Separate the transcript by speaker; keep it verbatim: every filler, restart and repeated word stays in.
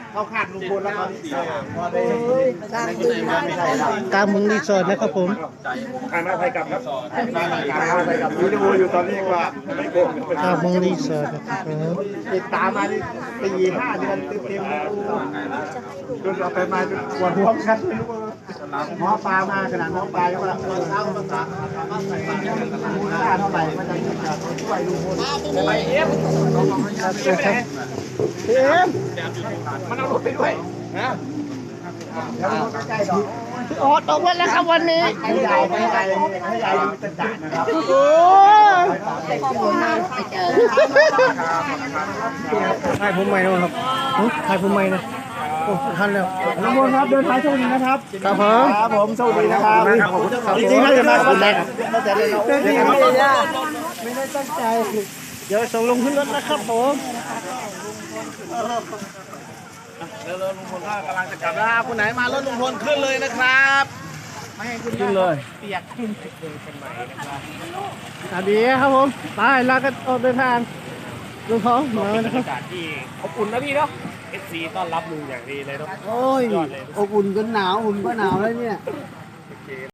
Speaker 1: เข้าข้างลุงพลแล้วพอได้สร้างตึกมาไม่ใช่แล้ว
Speaker 2: กลางเมืองรีสอร์ทนะครับผม
Speaker 1: ทางหน้าไทยกลับครับทางหน้าไทยกลับวิดีโออยู่ตอนนี้ว่าไม่โกง
Speaker 2: กลางเมืองรีสอร์ทนะครับผม
Speaker 1: ติดตามมานี่ปีห้าเดือนเต็มๆจนเราไปมาจนปวดหัวกันไม่รู้ว่าหมอปลามาขนาดหมอปลาก็ว่าเออเท่าภาษามูลค่าเท่าไหร่มันจะช่วยลุงพลไปเอฟ
Speaker 2: เอ็ม
Speaker 1: มันเอารถไปด้วยนะเดี๋ยวมันใกล้ๆดอก
Speaker 2: ออตกวันแล้วครับวันนี้
Speaker 1: ให้ยายให้ยายให้ยายมีตะจ่านะครับ
Speaker 2: โอ้ยถ่ายผมใหม่นะครับถ่ายผมใหม่นะโอ้ทันแล้ว
Speaker 1: ลุงพลครับเดินทางโชคดีนะครับ
Speaker 2: ครับผม
Speaker 1: ครับผมโชคดีนะครับจริงๆแล้วจะมาคนแรกตั้งแต่เรียนเราไม่ได้ไม่ได้ตั้งใจ
Speaker 2: เดี๋ยวส่งลงขึ้นรถนะครับผม
Speaker 1: เร็วๆลุงพลก็กำลังจะกลับแล้วคนไหนมารถลุงพลขึ้นเลยนะครับไม่ให้ขึ้นเลยเปียกขึ้นเลยเป็นใหม่นะครับ
Speaker 2: สวัสดีครับผมไปลากันออกเดินทางลุงท้องมาแล้วนะครับ
Speaker 1: อากาศที่อบอุ่นนะพี่เนาะเอฟซีต้อนรับลุงอย่างดีเลยเนาะ
Speaker 3: โอ้ยอบอุ่นจนหนาวอุ่นก็หนาวแล้วเนี่ย